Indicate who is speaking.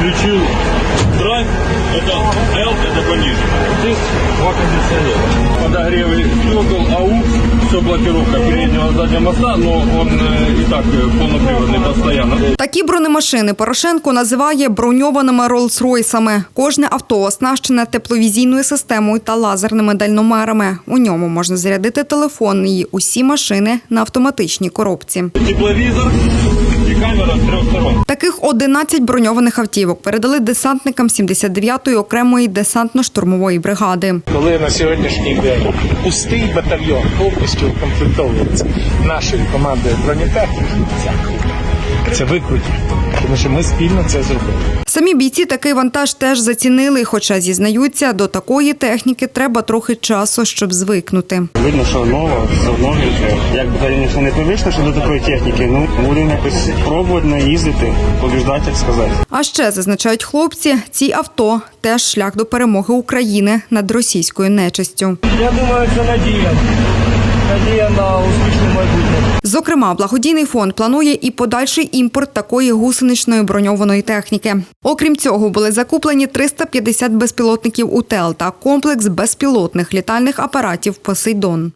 Speaker 1: включил драйв, это L, это пониже. Здесь два кондиционера. Подогревы стекол, AUX, все блокировка переднего и заднего моста, но он и так полноприводный постоянно.
Speaker 2: Такі бронемашини Порошенко називає броньованими Роллс-Ройсами. Кожне авто оснащене тепловізійною системою та лазерними дальномерами. У ньому можна зарядити телефон і усі машини на автоматичній коробці.
Speaker 1: Тепловизор и камера с трех сторон.
Speaker 2: Таких 11 броньованих автівок передали десантникам 79-ї окремої десантно-штурмової бригади.
Speaker 3: Коли на сьогоднішній день пустий батальйон повністю укомплектовується нашою командою бронетехніки, це викруті, тому що ми спільно це зробили.
Speaker 2: Самі бійці такий вантаж теж зацінили, хоча, зізнаються, до такої техніки треба трохи часу, щоб звикнути.
Speaker 4: Видно, що нова, все новеньке. Як би раніше не привично, що до такої техніки, будемо якось пробувати наїздити, побіждати, як сказати.
Speaker 2: А ще, зазначають хлопці, ці авто – теж шлях до перемоги України над російською нечистю.
Speaker 5: Я думаю, це надія. Надія на успішне майбутнє.
Speaker 2: Зокрема, благодійний фонд планує і подальший імпорт такої гусеничної броньованої техніки. Окрім цього, були закуплені 350 безпілотників УТЕЛ та комплекс безпілотних літальних апаратів «Посейдон».